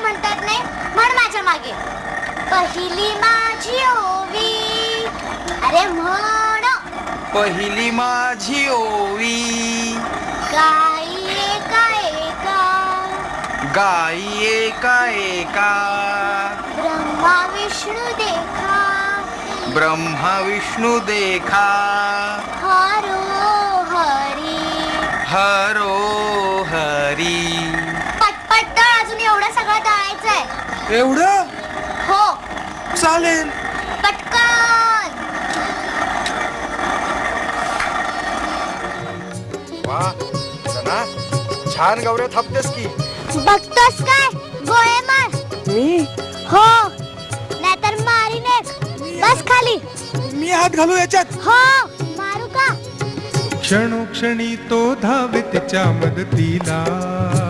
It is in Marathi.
म्हणतात नाही म्हण माझ्या मागे. पहिली माझी ओवी, अरे म्हण. पहिली माझी ओवी, गाई एका एका, गाई एका एका, ब्रह्मा विष्णू देखा, ब्रह्मा विष्णू देखा, हरो हरी. हरो हरी. पटपट तळ, अजून एवढं सगळं तळायचंय. एवढं हो चालेल. पटकन. वा सना, छान गौऱ्या थापतेस की. बघतोस काय गोळे मार. मी हो नाहीतर मारीन एक. बस खाली. मी हात घालू याच्यात. हो मारू का. क्षणोक्षणी तो धावे तिच्या मदतीला.